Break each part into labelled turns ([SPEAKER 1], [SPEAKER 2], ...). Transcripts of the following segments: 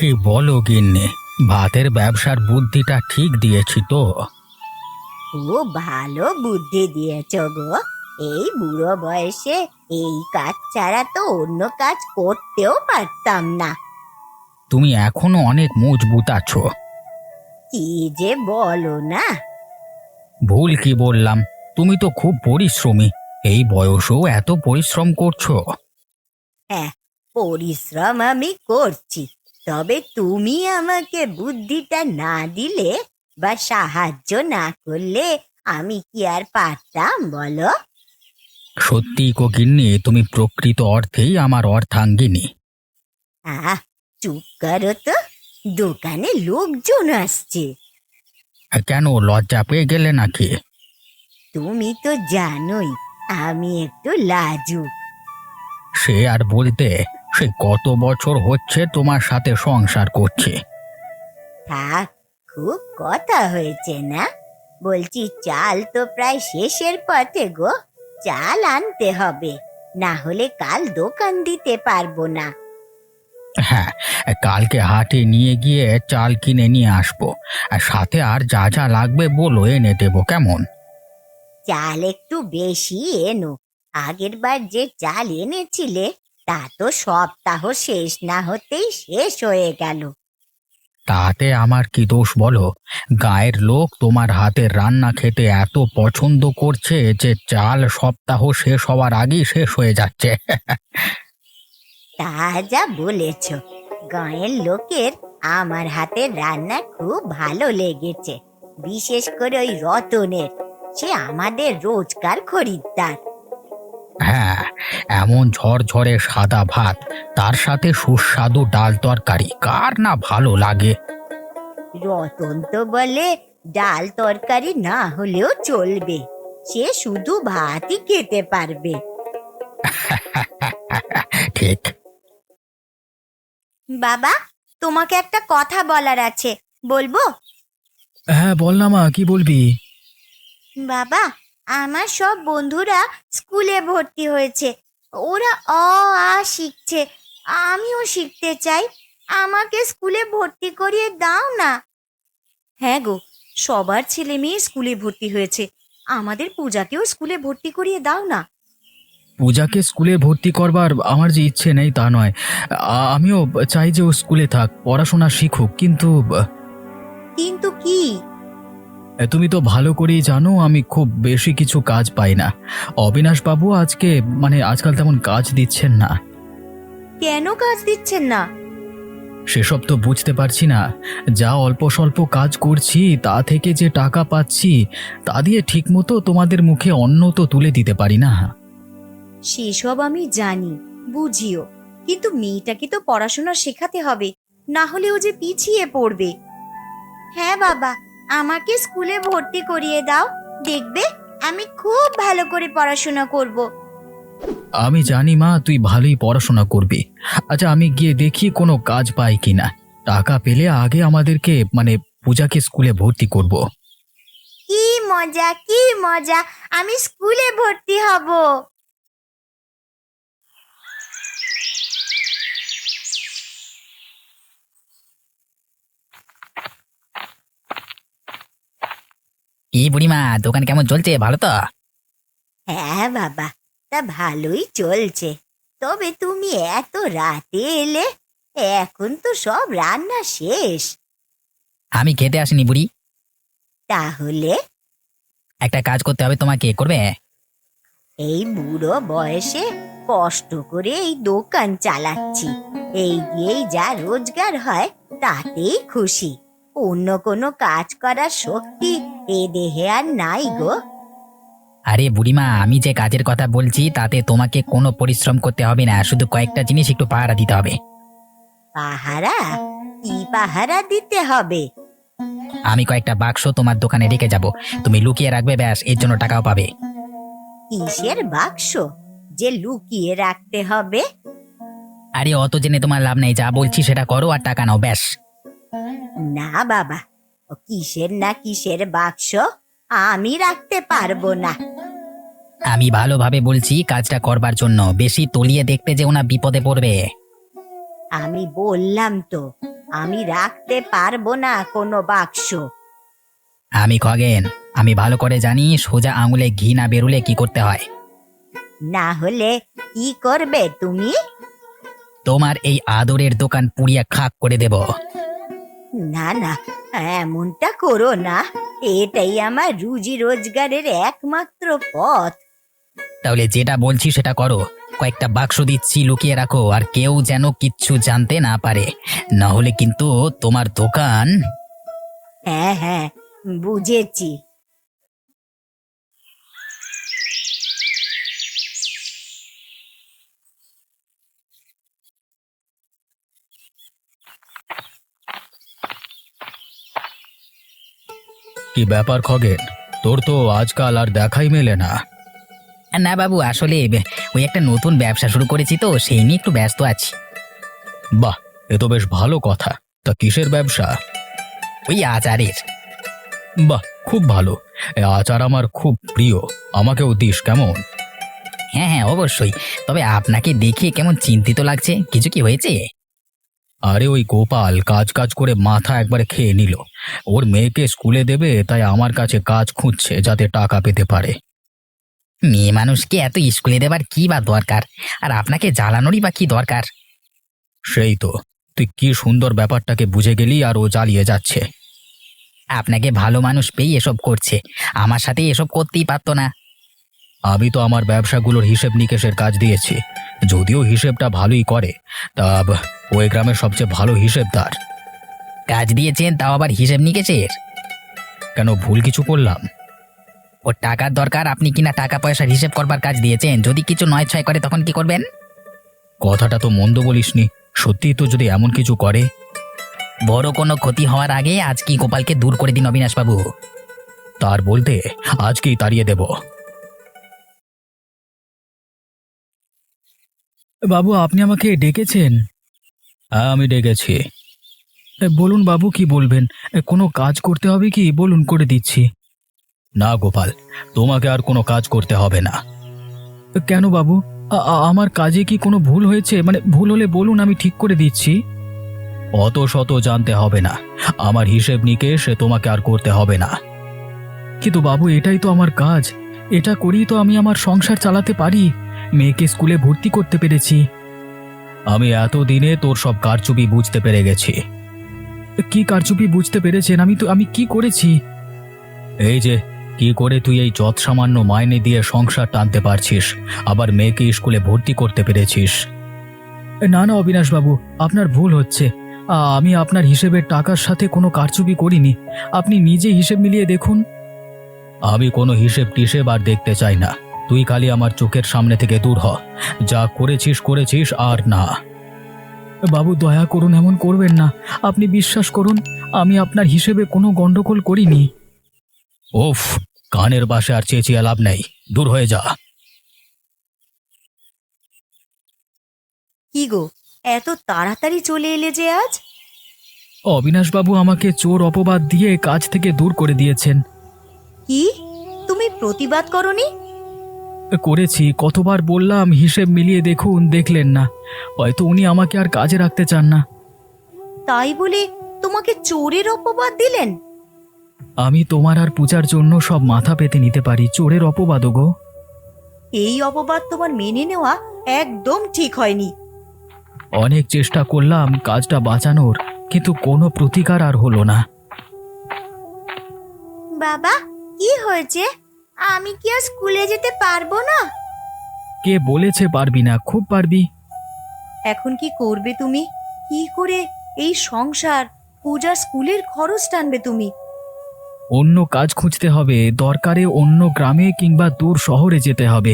[SPEAKER 1] কি বলো গিন্নি, ভাতের ব্যবসার বুদ্ধিটা ঠিক দিয়েছি তো?
[SPEAKER 2] খুব ভালো বুদ্ধি দিয়েছ গো। এই বুড়ো বয়সে এই কাজ ছাড়া তো অন্য কাজ করতেও পারতাম না।
[SPEAKER 1] তুমি এখনো অনেক মজবুত আছো।
[SPEAKER 2] কি যে বলো না।
[SPEAKER 1] ভুল কি বললাম? তুমি তো খুব পরিশ্রমী, এই বয়সেও এত পরিশ্রম করছো।
[SPEAKER 2] হ্যাঁ, পরিশ্রম আমি করছি, তবে তুমি আমাকে বুদ্ধিটা না দিলে বা সাহায্য না করলে আমি কি আর পারতাম বলো?
[SPEAKER 1] সত্যি গো গিন্নি, তুমি প্রকৃত অর্থেই আমার অর্ধাঙ্গিনী।
[SPEAKER 2] আহ, চুপ করো তো, দোকানে লোকজন আসছে।
[SPEAKER 1] কেন, লজ্জা পেয়ে গেলে নাকি?
[SPEAKER 2] তুমি তো জানোই আমি একটু লাজুক।
[SPEAKER 1] সে আর বলতে, সে কত বছর হচ্ছে তোমার সাথে সংসার করছে।
[SPEAKER 2] থাক, খুব কথা হয়েছে না। বলছি চাল তো প্রায় শেষের পথে গো, চাল আনতে হবে, না হলে কাল দোকান দিতে পারবো না।
[SPEAKER 1] হ্যাঁ, কালকে হাটে নিয়ে গিয়ে চাল কিনে নিয়ে আসবো, আর সাথে আর যা যা লাগবে বলো, এনে দেবো কেমন?
[SPEAKER 2] চাল একটু বেশি এনো। আগের বার যে চাল এনেছিলে তা তো সপ্তাহ শেষ না হতেই শেষ হয়ে গেল।
[SPEAKER 1] তাতে আমার কি দোষ বলো? গায়ের লোক তোমার হাতের রান্না খেতে এত পছন্দ করছে যে চাল সপ্তাহ শেষ হওয়ার আগেই শেষ হয়ে যাচ্ছে।
[SPEAKER 2] তা যা বলেছ, গাঁয়ের লোকের আমার হাতের রান্না খুব ভালো লেগেছে, বিশেষ করে ওই রতনের। সে আমাদের রোজকার খরিদ্দার।
[SPEAKER 1] হ্যাঁ, এমন ঝরঝরে সাদা ভাত, তার সাথে সুস্বাদু ডাল তরকারি, কার না ভালো লাগে?
[SPEAKER 2] রতন তো বলে ডাল তরকারি না হলেও চলবে, সে শুধু ভাতই খেতে পারবে।
[SPEAKER 1] ঠিক।
[SPEAKER 2] বাবা, তোমাকে একটা কথা বলার আছে, বলবো?
[SPEAKER 1] হ্যাঁ বল না মা, কি বলবি?
[SPEAKER 2] বাবা, আমার সব বন্ধুরা স্কুলে ভর্তি হয়েছে, ওরা অ আ শিখছে, আমিও শিখতে চাই, আমাকে স্কুলে ভর্তি করিয়ে দাও না। হ্যাঁ গো, সবার ছেলে মেয়ে স্কুলে ভর্তি হয়েছে, আমাদের পূজাকেও স্কুলে ভর্তি করিয়ে দাও না।
[SPEAKER 1] পূজাকে স্কুলে ভর্তি করবার আমার যে ইচ্ছে নেই তা নয়, আমিও চাই যে ও স্কুলে থাক, পড়াশোনা শিখুক, কিন্তু
[SPEAKER 2] কিন্তু কি?
[SPEAKER 1] তুমি তো ভালো করেই জানো আমি খুব বেশি কিছু কাজ পাই না। অবিনাশ বাবু আজকাল তেমন কাজ দিচ্ছেন না।
[SPEAKER 2] কেন কাজ দিচ্ছেন না?
[SPEAKER 1] সেসব তো বুঝতে পারছি না। যা অল্প স্বল্প কাজ করছি তা থেকে যে টাকা পাচ্ছি, তা দিয়ে ঠিকমতো তোমাদের মুখে অন্ন তো তুলে দিতে পারি না।
[SPEAKER 2] সেসব আমি জানি, বুঝিও, কিন্তু মেয়েটাকে তো পড়াশোনা শেখাতে হবে, না হলে ও যে পিছিয়ে পড়বে। হ্যাঁ বাবা, আমাকে স্কুলে ভর্তি করিয়ে দাও, দেখবে আমি খুব ভালো করে পড়াশোনা করব।
[SPEAKER 1] আমি জানি মা, তুই ভালোই পড়াশোনা করবি। আচ্ছা, আমি গিয়ে দেখি কোনো কাজ পাই কিনা। টাকা পেলে আগে আমাদেরকে পূজাকে স্কুলে ভর্তি করব।
[SPEAKER 2] কি মজা, কি মজা, আমি স্কুলে ভর্তি হব।
[SPEAKER 3] কি বুড়িমা, দোকান কেমন চলছে? ভালো তো?
[SPEAKER 2] হ্যাঁ বাবা, তা ভালোই চলছে, তবে তুমি এত রাতে এলে, এখন তো সব রান্না শেষ।
[SPEAKER 3] আমি খেতে আসিনি বুড়ি।
[SPEAKER 2] তাহলে?
[SPEAKER 3] একটা কাজ করতে হবে, তোমাকে করবে?
[SPEAKER 2] এই বুড়ো বয়সে কষ্ট করে এই দোকান চালাচ্ছি, এই দিয়েই যা রোজগার হয় তাতেই খুশি। অন্য কোনো কাজ করার শক্তি এ দেহে আর নাই গো।
[SPEAKER 3] আরে বুড়িমা, আমি যে কাজের কথা বলছি তাতে তোমাকে কোনো পরিশ্রম করতে হবে না, শুধু কয়েকটা জিনিস একটু পাহারা দিতে হবে।
[SPEAKER 2] পাহারা? কি পাহারা দিতে হবে?
[SPEAKER 3] আমি কয়েকটা বাক্স তোমার দোকানে রেখে যাব, তুমি লুকিয়ে রাখবে, ব্যাস, এর জন্য টাকাও পাবে।
[SPEAKER 2] কিসের বাক্স যে লুকিয়ে রাখতে হবে?
[SPEAKER 3] আরে অত জেনে তোমার লাভ নেই, যা বলছি সেটা করো আর টাকা নাও, ব্যাস।
[SPEAKER 2] না বাবা, ও কিসের না কিসের বাক্স আমি রাখতে পারবো না।
[SPEAKER 3] আমি ভালোভাবে বলছি কাজটা করবার জন্য, বেশি তলিয়ে দেখতে যেও না, বিপদে পড়বে।
[SPEAKER 2] আমি বললাম তো, আমি রাখতে পারবো না কোনো বাক্স।
[SPEAKER 3] আমি খগেন, আমি ভালো করে জানি সোজা আঙুলে ঘি না বেরুলে কি করতে হয়।
[SPEAKER 2] না হলে কি করবে তুমি?
[SPEAKER 3] তোমার এই আদরের দোকান পুড়িয়ে খাক করে দেব।
[SPEAKER 2] না না, এমনটা করো না। এটাই আমার রুজি রোজগারের একমাত্র পথ।
[SPEAKER 3] তাহলে যেটা বলছি সেটা করো। কয়েকটা বাক্স দিচ্ছি, লুকিয়ে রাখো, আর কেউ যেন কিচ্ছু জানতে না পারে, না হলে কিন্তু তোমার দোকান।
[SPEAKER 2] হ্যাঁ হ্যাঁ, বুঝেছি।
[SPEAKER 1] কি ব্যাপার খগেন, তোর তো আজকাল আর দেখাই মেলে না।
[SPEAKER 3] না বাবু, আসলে ওই একটা নতুন ব্যবসা শুরু করেছি তো সেই নিয়ে একটু ব্যস্ত আছি।
[SPEAKER 1] বাহ, এ তো বেশ ভালো কথা। তা কিসের ব্যবসা?
[SPEAKER 3] ওই আচারের।
[SPEAKER 1] বাহ, খুব ভালো। এ আচার আমার খুব প্রিয়, আমাকেও দিস কেমন?
[SPEAKER 3] হ্যাঁ হ্যাঁ, অবশ্যই। তবে আপনাকে দেখে কেমন চিন্তিত লাগছে, কিছু কি হয়েছে?
[SPEAKER 1] আরে ওই গোপাল কাজ কাজ করে মাথা একবারে খেয়ে নিল। ওর মেয়েকে স্কুলে দেবে, তাই আমার কাছে কাজ খুঁজছে যাতে টাকা পেতে পারে।
[SPEAKER 3] মেয়ে মানুষকে এত স্কুলে দেবার কি বা দরকার, আর আপনাকে জ্বালানোরই বা কি দরকার?
[SPEAKER 1] সেই তো, তুই কি সুন্দর ব্যাপারটাকে বুঝে গেলি আর ও জ্বালিয়ে যাচ্ছে।
[SPEAKER 3] আপনাকে ভালো মানুষ পেয়ে এসব করছে, আমার সাথে এসব করতেই পারতো না।
[SPEAKER 1] আমি তো আমার ব্যবসাগুলোর হিসেব নিকেশের কাজ দিয়েছি, যদিও হিসেবটা ভালোই করে। তা ওই গ্রামের সবচেয়ে ভালো হিসেবদার।
[SPEAKER 3] কাজ দিয়েছেন, তাও আবার হিসেব নিকেশের?
[SPEAKER 1] কেন, ভুল কিছু করলাম?
[SPEAKER 3] ওর টাকার দরকার, আপনি কিনা টাকা পয়সার হিসেব করবার কাজ দিয়েছেন। যদি কিছু নয় ছয় করে তখন কি করবেন?
[SPEAKER 1] কথাটা তো মন্দ বলিসনি, সত্যিই তো যদি এমন কিছু করে।
[SPEAKER 3] বড় কোনো ক্ষতি হওয়ার আগে আজকেই গোপালকে দূর করে দিন অবিনাশবাবু।
[SPEAKER 1] তার বলতে আজকেই তাড়িয়ে দেব। বাবু, আপনি আমাকে ডেকেছেন? হ্যাঁ, আমি ডেকেছি। বলুন বাবু, কি বলবেন? কোনো কাজ করতে হবে কি বলুন, করে দিচ্ছি। না গোপাল, তোমাকে আর কোনো কাজ করতে হবে না। কেন বাবু, আমার কাজে কি কোনো ভুল হয়েছে? মানে ভুল হলে বলুন, আমি ঠিক করে দিচ্ছি। অত শত জানতে হবে না, আমার হিসেব নিকেশ তোমাকে আর করতে হবে না। কিন্তু বাবু, এটাই তো আমার কাজ, এটা করেই তো আমি আমার সংসার চালাতে পারি, মেয়েকে স্কুলে ভর্তি করতে পেরেছি। আমি এতদিনে তোর সব কারচুপি বুঝতে পেরে গেছি। কি কারচুপি বুঝতে পেরেছেন? আমি কি করেছি? এই যে, কি করে তুই এই যৎ সামান্য মাইনে দিয়ে সংসার টানতে পারছিস, আবার মেয়েকে স্কুলে ভর্তি করতে পেরেছিস। না না অবিনাশবাবু, আপনার ভুল হচ্ছে। আমি আপনার হিসেবের টাকার সাথে কোনো কারচুপি করিনি, আপনি নিজে হিসেব মিলিয়ে দেখুন। আমি কোনো হিসেব টিসেব আর দেখতে চাই না, তুই খালি আমার চোখের সামনে থেকে দূর হ। যা করেছিস করেছিস, আর না। বাবু দয়া করুন, এমন করবেন না। আপনি বিশ্বাস করুন, আমি আপনার হিসেবে কোনো গন্ডগোল করিনি। ওফ, কানের বাসে আর চেঁচিয়ে লাভ নেই, দূর হয়ে যা।
[SPEAKER 2] কি গো, এত তাড়াতাড়ি চলে এলে যে আজ?
[SPEAKER 1] অবিনাশবাবু আমাকে চোর অপবাদ দিয়ে কাজ থেকে দূর করে দিয়েছেন।
[SPEAKER 2] কি, তুমি প্রতিবাদ করনি?
[SPEAKER 1] করেছি, কতবার বললাম হিসেব মিলিয়ে দেখুন, দেখলেন না। হয়তো উনি আমাকে আর কাজে রাখতে চান না।
[SPEAKER 2] তাই বলে তোমাকে চোরের অপবাদ দিলেন?
[SPEAKER 1] আমি তোমার আর পূজার জন্য সব মাথা পেতে নিতে পারি, চোরের অপবাদ গো।
[SPEAKER 2] এই অপবাদ তোমার মেনে নেওয়া একদম ঠিক হয়নি।
[SPEAKER 1] অনেক চেষ্টা করলাম কাজটা বাঁচানোর, কিন্তু কোনো প্রতিকার আর হলো না।
[SPEAKER 2] বাবা, কি হয়েছে? আমি কি আর স্কুলে যেতে পারবো না?
[SPEAKER 1] কে বলেছে পারবি না? খুব পারবি।
[SPEAKER 2] এখন কি করবে তুমি? কি করে এই সংসার, পূজার স্কুলের খরচ টানবে তুমি?
[SPEAKER 1] অন্য কাজ খুঁজতে হবে, দরকারে অন্য গ্রামে কিংবা দূর শহরে যেতে হবে।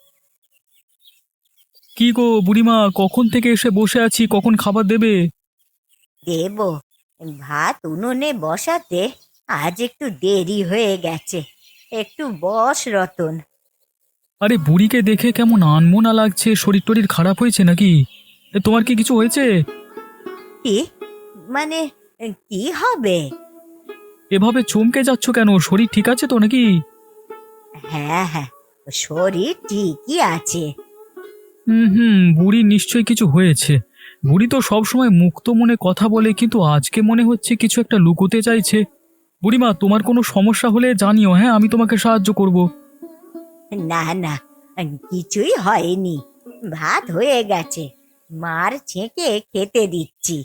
[SPEAKER 1] কি গো বুড়িমা, কখন থেকে এসে বসে আছি, কখন খাবার দেবে?
[SPEAKER 2] দেব, ভাত উনুনে বসাতে আজ একটু দেরি হয়ে গেছে। একটু বস রতন।
[SPEAKER 1] আরে বুড়িকে দেখে কেমন আনমনা লাগছে, শরীর টরীর খারাপ হয়েছে নাকি? তোমার কি কিছু হয়েছে?
[SPEAKER 2] কি মানে, কি হবে?
[SPEAKER 1] এভাবে চমকে যাচ্ছ কেন? শরীর ঠিক আছে তো নাকি?
[SPEAKER 2] হ্যাঁ হ্যাঁ, শরীর ঠিকই আছে।
[SPEAKER 1] বুড়ির নিশ্চয়ই কিছু হয়েছে। বুড়ি তো সবসময় মুক্ত মনে কথা বলে, কিন্তু আজকে মনে হচ্ছে কিছু একটা লুকোতে চাইছে। বুড়িমা, তোমার কোনো সমস্যা হলে জানিও, হ্যাঁ, আমি তোমাকে সাহায্য করব।
[SPEAKER 2] না না, কিছুই হয়নি। ভাত হয়ে গেছে, মার ছেঁকে খেতে দিচ্ছি।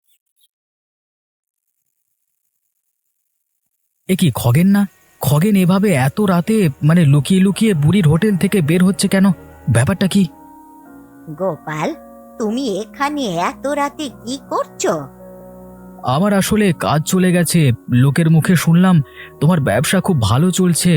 [SPEAKER 1] এ কি খগেন না? খগেন এভাবে এত রাতে, মানে লুকিয়ে লুকিয়ে বুড়ির হোটেল থেকে বের হচ্ছে কেন? ব্যাপারটা কি?
[SPEAKER 2] গোপাল, তুমি এখানে এত রাতে কি করছো?
[SPEAKER 1] আমার আসলে কাজ চলে গেছে। লোকের মুখে শুনলাম তোমার ব্যবসা খুব ভালো চলছে।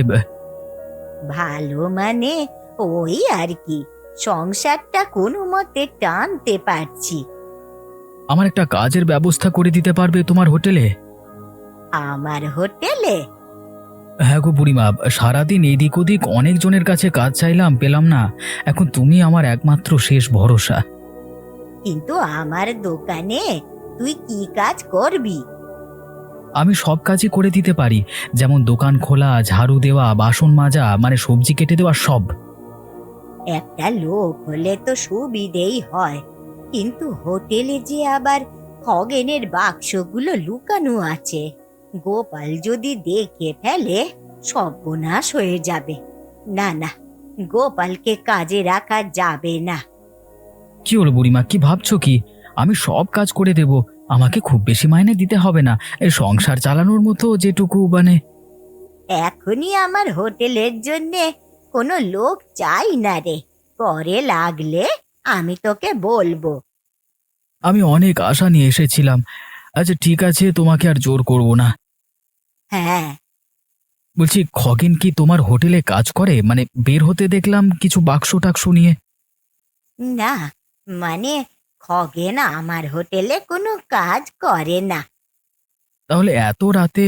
[SPEAKER 2] ভালো মানে ওই আর কি, সংসারটা কোনো মতে টানতে পারছি।
[SPEAKER 1] আমার একটা কাজের ব্যবস্থা করে দিতে পারবে তোমার হোটেলে?
[SPEAKER 2] আমার হোটেলে?
[SPEAKER 1] হ্যাঁ গো বুড়িমা, সারাদিন এদিক ওদিক অনেকজনের কাছে কাজ চাইলাম, পেলাম না। এখন তুমি আমার একমাত্র শেষ ভরসা।
[SPEAKER 2] কিন্তু আমার দোকানে তুই কি কাজ করবি?
[SPEAKER 1] আমি সব কাজই করে দিতে পারি, যেমন দোকান খোলা, ঝাড়ু দেওয়া, বাসন মাজা, মানে সবজি কেটে দেওয়া, সব।
[SPEAKER 2] একটা লোক হলে তো সুবিধেই হয়, কিন্তু হোটেলে যে আবার খগেনের বাক্সগুলো লুকানো আছে, গোপাল যদি দেখে ফেলে সর্বনাশ হয়ে যাবে। না না, গোপালকে কাজে রাখা যাবে না।
[SPEAKER 1] কি হলো বুড়িমা, কি ভাবছো কি? আমি সব কাজ করে দেব। আমাকে খুব বেশি মাইনে দিতে হবে না, এই সংসার চালানোর মতো যেটুকু, মানে।
[SPEAKER 2] এখনই আমার হোটেলের জন্যে কোনো লোক চাই না রে, পরে লাগলে আমি তোকে বলবো।
[SPEAKER 1] আমি অনেক আশা নিয়ে এসেছিলাম। আচ্ছা ঠিক আছে, তোমাকে আর জোর করব না।
[SPEAKER 2] হ্যাঁ।
[SPEAKER 1] বলছি, খগেন কি তোমার হোটেলে কাজ করে? মানে বের হতে দেখলাম কিছু বাক্স টাক্স নিয়ে।
[SPEAKER 2] না, মানে খগেন আমার হোটেলে কোনো কাজ করে না।
[SPEAKER 1] তাহলে এত রাতে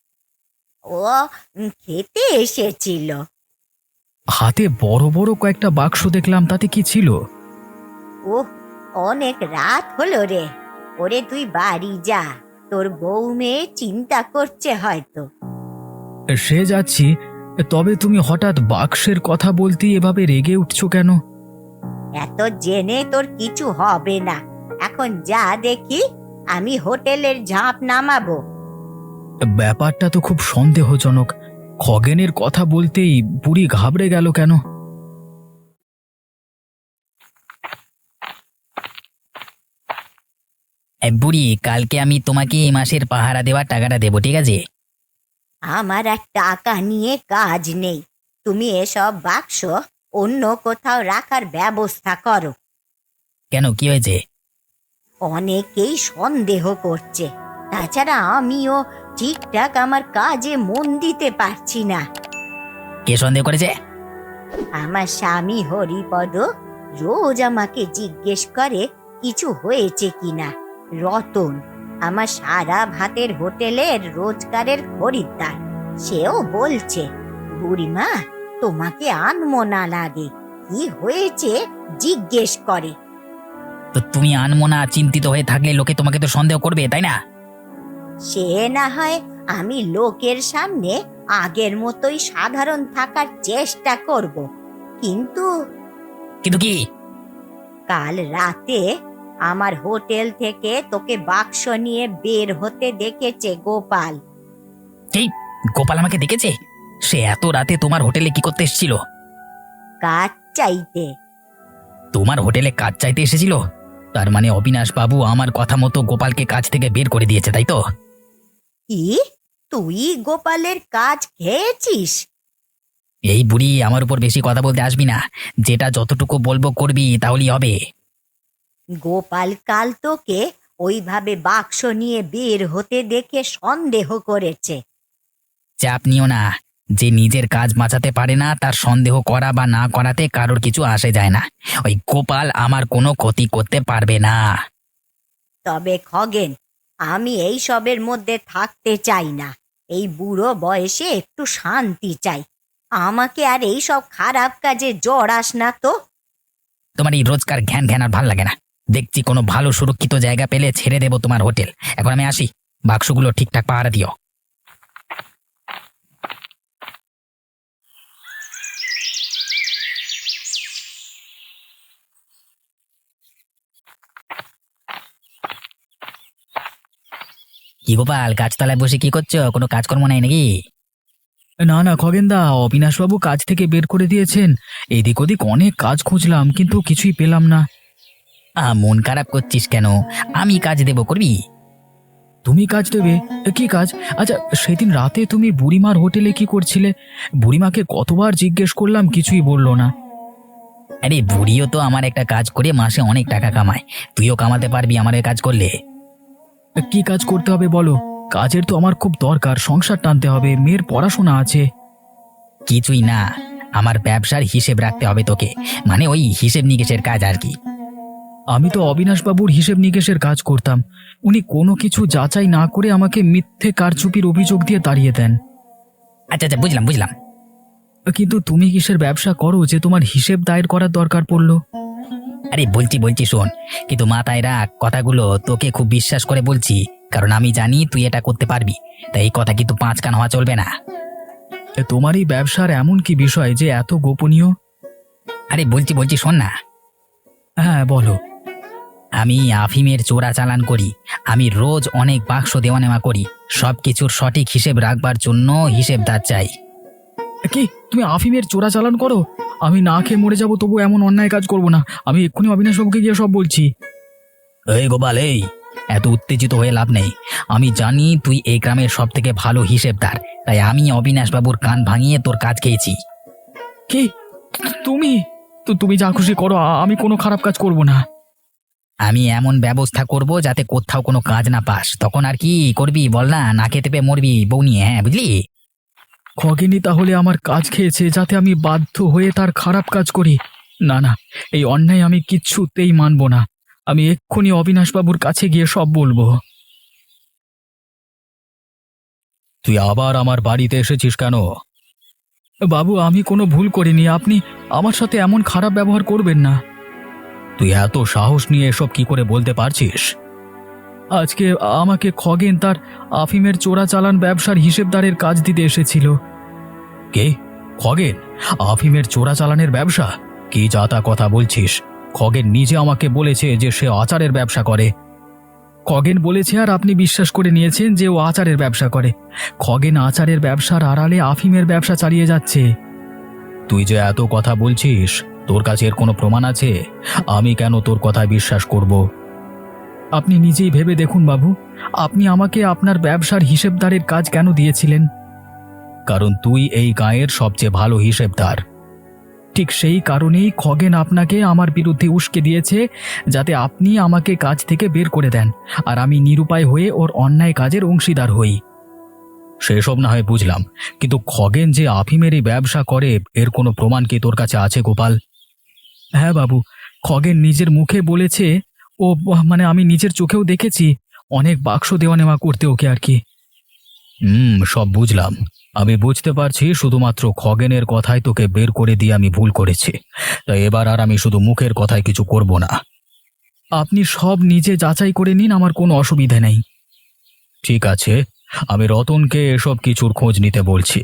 [SPEAKER 2] ও খেতে এসেছিল।
[SPEAKER 1] হাতে বড় বড় কয়েকটা বাক্স দেখলাম, তাতে কি ছিল?
[SPEAKER 2] ওহ, অনেক রাত হলো রে। ওরে তুই বাড়ি যা, তোর বউ মেয়ে চিন্তা করছে হয়তো।
[SPEAKER 1] সে যাচ্ছি, তবে তুমি হঠাৎ বাক্সের কথা বলতেই এভাবে রেগে উঠছো কেন?
[SPEAKER 2] এত জেনে তোর কিছু হবে না। এখন যা দেখি, আমি হোটেলের ঝাঁপ নামাবো।
[SPEAKER 1] ব্যাপারটা তো খুব সন্দেহজনক। খগেনের কথা বলতেই বুড়ি ঘাবড়ে গেল কেন?
[SPEAKER 3] বুড়ি, কালকে আমি তোমাকে এই মাসের পাহারা দেওয়ার টাকাটা দেবো, ঠিক আছে?
[SPEAKER 2] আমার আর টাকা নিয়ে কাজ নেই। তুমি এসব বাক্স অন্য কোথাও রাখার ব্যবস্থা করো।
[SPEAKER 3] কেন, কি হয়েছে?
[SPEAKER 2] অনেকেই সন্দেহ করছে, তাছাড়া আমিও ঠিকঠাক আমার কাজে মন দিতে পারছি না।
[SPEAKER 3] কে সন্দেহ করেছে?
[SPEAKER 2] আমার স্বামী হরিপদ রোজ আমাকে জিজ্ঞেস করে কিছু হয়েছে কিনা। রতন, আমার সারা ভাতের হোটেলের রোজগারের খরিদ্দার, সেও বলছে, বুড়িমা তোমাকে আনমনা লাগে, কি হয়েছে জিজ্ঞেস করে।
[SPEAKER 3] তো তুমি আনমনা চিন্তিত হয়ে থাকলে লোকে তোমাকে তো সন্দেহ করবে, তাই না?
[SPEAKER 2] সে না হয় আমি লোকের সামনে আগের মতোই সাধারণ থাকার চেষ্টা করব, কিন্তু
[SPEAKER 3] কিন্তু কি?
[SPEAKER 2] কাল রাতে আমার হোটেল থেকে তোকে বাক্স নিয়ে বের হতে দেখেছে গোপাল।
[SPEAKER 3] এই, গোপাল আমাকে দেখেছে? সে এত রাতে তোমার হোটেলে কি করতে এসেছিল?
[SPEAKER 2] কাজ চাইতে।
[SPEAKER 3] তোমার হোটেলে কাজ চাইতে এসেছিল? তার মানে অবিনাশ বাবু আমার কথা মতো গোপালকে কাজ থেকে বের করে দিয়েছে, তাই তো?
[SPEAKER 2] কি, তুই গোপালের কাজ খেয়েছিস?
[SPEAKER 3] এই বুড়ি, আমার উপর বেশি কথা বলতে আসবি না। যেটা যতটুকু বলবো করবি, তাহলেই হবে।
[SPEAKER 2] গোপাল কাল তোকে ওইভাবে বাক্স নিয়ে বের হতে দেখে সন্দেহ করেছে।
[SPEAKER 3] চাপ নিও না। যে নিজের কাজ বাঁচাতে পারে না, তার সন্দেহ করা বা না করাতে কারোর কিছু আসে যায় না। ওই গোপাল আমার কোনো ক্ষতি করতে পারবে না।
[SPEAKER 2] তবে খগেন, আমি এই সবের মধ্যে থাকতে চাই না। এই বুড়ো বয়সে একটু শান্তি চাই। আমাকে আর এই সব খারাপ কাজে জড়াস না তো।
[SPEAKER 3] তোমার এই রোজকার ঘ্যান ঘ্যান আর ভাল লাগে না। দেখছি কোনো ভালো সুরক্ষিত জায়গা পেলে ছেড়ে দেবো তোমার হোটেল। এখন আমি আসি। বাক্সগুলো ঠিকঠাক পাহারা দিও। কি গোপাল, গাছতলায় বসে কি করছো? কোনো কাজকর্ম নাই নাকি?
[SPEAKER 1] না না খগেনদা, অবিনাশবাবু কাজ থেকে বের করে দিয়েছেন। এদিক ওদিক অনেক কাজ খুঁজলাম কিন্তু কিছুই পেলাম না।
[SPEAKER 3] মন খারাপ করছিস কেন? আমি কাজ দেবো, করবি?
[SPEAKER 1] তুমি কাজ দেবে? কি কাজ? আচ্ছা, সেদিন রাতে তুমি বুড়িমার হোটেলে কি করছিলে? বুড়িমাকে কতবার জিজ্ঞেস করলাম, কিছুই বললো না।
[SPEAKER 3] আরে বুড়িও তো আমার একটা কাজ করে মাসে অনেক টাকা কামায়। তুইও কামাতে পারবি আমার এই কাজ করলে।
[SPEAKER 1] কি কাজ করতে হবে বলো? কাজের তো আমার খুব দরকার, সংসার টানতে হবে, মেয়ের পড়াশোনা আছে।
[SPEAKER 3] কিছুই না, আমার ব্যবসার হিসেব রাখতে হবে তোকে। মানে ওই হিসেব নিকেশের কাজ আর কি।
[SPEAKER 1] আমি তো অবিনাশবাবুর হিসেব নিকেশের কাজ করতাম। উনি কোনো কিছু যাচাই না করে আমাকে মিথ্যে কারচুপির অভিযোগ দিয়ে তাড়িয়ে দেন।
[SPEAKER 3] আচ্ছা আচ্ছা, বুঝলাম বুঝলাম।
[SPEAKER 1] কিন্তু তুমি কিসের ব্যবসা করো যে তোমার হিসেব দায়ের করার দরকার পড়লো?
[SPEAKER 3] আরে বলছি বলছি শোন, কিন্তু মাথায় রাখ কথাগুলো, তোকে খুব বিশ্বাস করে বলছি। কারণ আমি জানি তুই এটা করতে পারবি। তাই এই কথা কিন্তু পাঁচ কান হওয়া চলবে না।
[SPEAKER 1] তোমার এই ব্যবসার এমন কি বিষয় যে এত গোপনীয়?
[SPEAKER 3] আরে বলছি বলছি শোন না।
[SPEAKER 1] হ্যাঁ বলো।
[SPEAKER 3] আমি আফিমের চোরাচালান করি। আমি রোজ অনেক বাক্স দেওয়া নেওয়া করি। সব কিছুর সঠিক হিসেব রাখবার জন্য হিসেবদার চাই।
[SPEAKER 1] কি, তুমি আফিমের চোরাচালান করো? আমি না খেয়ে মরে যাবো তবু এমন অন্যায় কাজ করব না। আমি এক্ষুনি অবিনাশবাবুকে গিয়ে সব বলছি।
[SPEAKER 3] এই গোপাল, এই এত উত্তেজিত হয়ে লাভ নেই। আমি জানি তুই এই গ্রামের সব থেকে ভালো হিসেবদার। তাই আমি অবিনাশবাবুর কান ভাঙিয়ে তোর কাজ খেয়েছি।
[SPEAKER 1] কি, তুমি? তো তুমি যা খুশি করো, আমি কোনো খারাপ কাজ করব না।
[SPEAKER 3] আমি এমন ব্যবস্থা করব যাতে কোথাও কোনো কাজ না পাস। তখন আর কি করবি বল না? না খেতে পেয়ে মরবি বউ নিয়ে, হ্যাঁ বুঝলি?
[SPEAKER 1] খগেনি তাহলে আমার কাজ খেয়েছে যাতে আমি বাধ্য হয়ে তার খারাপ কাজ করি? না না, এই অন্যায় আমি কিচ্ছুতেই মানব না। আমি এক্ষুনি অবিনাশবাবুর কাছে গিয়ে সব বলবো। তুই আবার আমার বাড়িতে এসেছিস কেন? বাবু, আমি কোনো ভুল করিনি, আপনি আমার সাথে এমন খারাপ ব্যবহার করবেন না। তুই এত সাহস নিয়ে এসব কি করে বলতে পারছিস? আজকে আমাকে খগেন তার আফিমের চোরাচালান ব্যবসার হিসেবদারের কাজ দিতে এসেছিল। কে? খগেন? আফিমের চোরাচালানের ব্যবসা? কি যাতা কথা বলছিস? খগেন নিজে আমাকে বলেছে যে সে আচারের ব্যবসা করে। খগেন বলেছে আর আপনি বিশ্বাস করে নিয়েছেন যে ও আচারের ব্যবসা করে। খগেন আচারের ব্যবসার আড়ালে আফিমের ব্যবসা চালিয়ে যাচ্ছে। তুই যে এত কথা বলছিস, তোর কাছে এর কোনো প্রমাণ আছে? আমি কেন তোর কথায় বিশ্বাস করব? আপনি নিজেই ভেবে দেখুন বাবু, আপনি আমাকে আপনার ব্যবসার হিসেবদারের কাজ কেন দিয়েছিলেন? কারণ তুই এই গাঁয়ের সবচেয়ে ভালো হিসেবদার। ঠিক সেই কারণেই খগেন আপনাকে আমার বিরুদ্ধে উস্কে দিয়েছে, যাতে আপনি আমাকে কাজ থেকে বের করে দেন আর আমি নিরুপায় হয়ে ওর অন্যায় কাজের অংশীদার হই। সেসব না হয় বুঝলাম, কিন্তু খগেন যে আফিমের এই ব্যবসা করে এর কোনো প্রমাণ কি তোর কাছে আছে গোপাল? হ্যাঁ বাবু, খগেন নিজের মুখে বলেছে। ও মানে আমি নিজের চোখেও দেখেছি, অনেক বাক্স দেওয়া নেওয়া করতে ওকে আর কি। সব বুঝলাম। আমি বুঝতে পারছি শুধুমাত্র খগেনের কথায় তোকে বের করে দিয়ে আমি ভুল করেছি। তাই এবার আর আমি শুধু মুখের কথায় কিছু করব না। আপনি সব নিজে যাচাই করে নিন, আমার কোনো অসুবিধা নেই। ঠিক আছে, আমি রতনকে এসব কিছুর খোঁজ নিতে বলছি।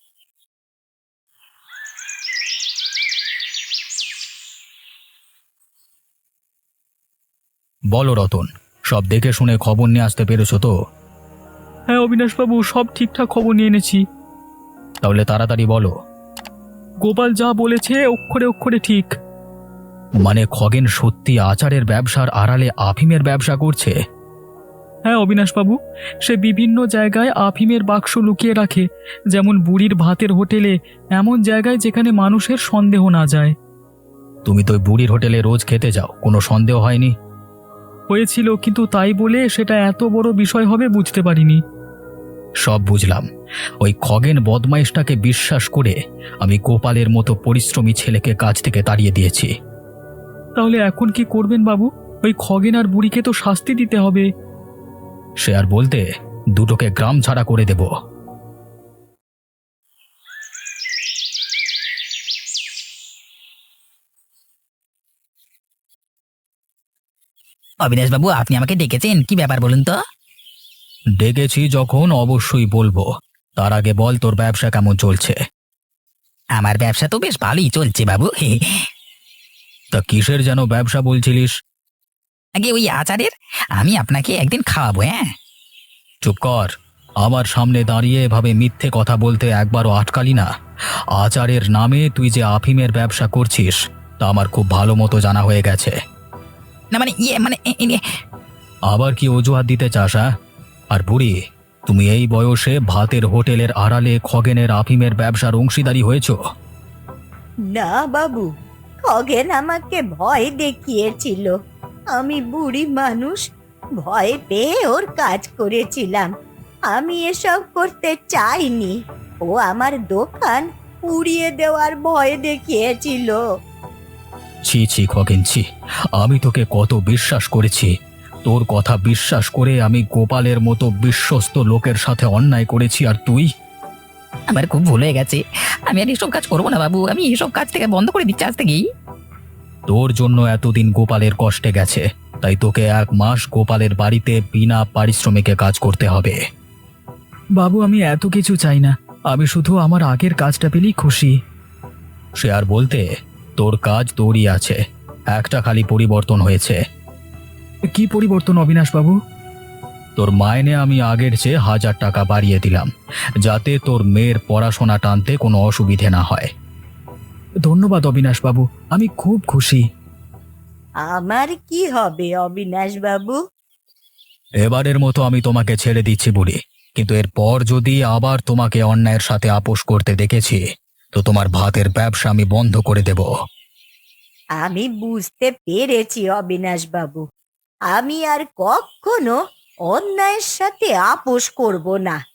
[SPEAKER 1] বলো রতন, সব দেখে শুনে খবর নিয়ে আসতে পেরেছো তো? হ্যাঁ অবিনাশবাবু, সব ঠিকঠাক খবর নিয়ে এনেছি। তাহলে তাড়াতাড়ি বলো। গোপাল যা বলেছে অক্ষরে অক্ষরে ঠিক। মানে খগেন সত্যি আচারের ব্যবসার আড়ালে আফিমের ব্যবসা করছে? হ্যাঁ অবিনাশবাবু, সে বিভিন্ন জায়গায় আফিমের বাক্স লুকিয়ে রাখে, যেমন বুড়ির ভাতের হোটেলে, এমন জায়গায় যেখানে মানুষের সন্দেহ না যায়। তুমি তো বুড়ির হোটেলে রোজ খেতে যাও, কোনো সন্দেহ হয়নি? হয়েছিল, কিন্তু তাই বলে সেটা এত বড় বিষয় হবে বুঝতে পারিনি। সব বুঝলাম। ওই খগেন বদমাইশটাকে বিশ্বাস করে আমি গোপালের মতো পরিশ্রমী ছেলেকে কাজ থেকে তাড়িয়ে দিয়েছি। তাহলে এখন কি করবেন বাবু? ওই খগেন আর বুড়িকে তো শাস্তি দিতে হবে। সে আর বলতে, দুটোকে গ্রাম ছাড়া করে দেব।
[SPEAKER 3] অবিনাশবাবু, আপনি আমাকে ডেকেছেন, কি ব্যাপার বলুন তো?
[SPEAKER 1] ডেকেছি যখন অবশ্যই বলবো। তার আগে বল, তোর ব্যবসা কেমন চলছে?
[SPEAKER 3] আমার ব্যবসা তো বেশ ভালোই চলছে বাবু।
[SPEAKER 1] তা কিসের যেন ব্যবসা বলছিলিস?
[SPEAKER 3] আগে ওই আচারের। আমি আপনাকে একদিন খাওয়াবো, হ্যাঁ?
[SPEAKER 1] চুপ কর। আমার সামনে দাঁড়িয়ে এভাবে মিথ্যে কথা বলতে একবারও আটকালি না। আচারের নামে তুই যে আফিমের ব্যবসা করছিস তা আমার খুব ভালো মতো জানা হয়ে গেছে।
[SPEAKER 3] না মানে ইয়ে মানে
[SPEAKER 1] আবার কি অজুহাত দিতে চাস? হ্যাঁ? আর বুড়ি, তুমি এই বয়সে ভাতের হোটেলের আড়ালে খগেনের আফিমের ব্যবসার অংশীদারি হয়েছো?
[SPEAKER 2] না বাবু, খগেন আমাকে ভয় দেখিয়েছিল। আমি বুড়ি মানুষ, ভয় পেয়ে ওর কাজ করেছিলাম। আমি এসব করতে চাইনি। ও আমার দোকান পুড়িয়ে দেওয়ার ভয় দেখিয়েছিল।
[SPEAKER 1] ছি ছি খগেন, ছি। আমি তোকে কত বিশ্বাস করেছি। তোর কথা বিশ্বাস করে আমি গোপালের মতো বিশ্বস্ত লোকের সাথে অন্যায় করেছি, আর তুই?
[SPEAKER 3] আমার খুব ভুল হয়ে গেছে। আমি আর এসব কাজ করবো না বাবু, আমি এসব কাজ থেকে বন্ধ করে দিচ্ছি আজ থেকেই।
[SPEAKER 1] তোর জন্য এতদিন গোপালের কষ্টে গেছে, তাই তোকে 1 মাস গোপালের বাড়িতে বিনা পারিশ্রমিকে কাজ করতে হবে। বাবু, আমি এত কিছু চাই না। আমি শুধু আমার আগের কাজটা পেলেই খুশি। সে আর বলতে, তোর কাজ তোরই আছে, একটা খালি পরিবর্তন হয়েছে। কি পরিবর্তন অবিনাশ বাবু? তোর মাইনে আমি আগের চেয়ে 1000 টাকা বাড়িয়ে দিলাম, যাতে তোর মেয়ের পড়াশোনা টানতে কোনো অসুবিধে না হয়। ধন্যবাদ অবিনাশ বাবু, আমি খুব খুশি।
[SPEAKER 2] আমার কি হবে অবিনাশ বাবু?
[SPEAKER 1] এবারের মতো আমি তোমাকে ছেড়ে দিচ্ছি বুড়ি, কিন্তু এরপর যদি আবার তোমাকে অন্যায়ের সাথে আপোষ করতে দেখেছি তো তোমার ভাতের ব্যবসা আমি বন্ধ করে দেব।
[SPEAKER 2] আমি বুঝতে পেরেছি অবিনাশ বাবু, আমি আর কখনো অন্যায়ের সাথে আপোষ করব না।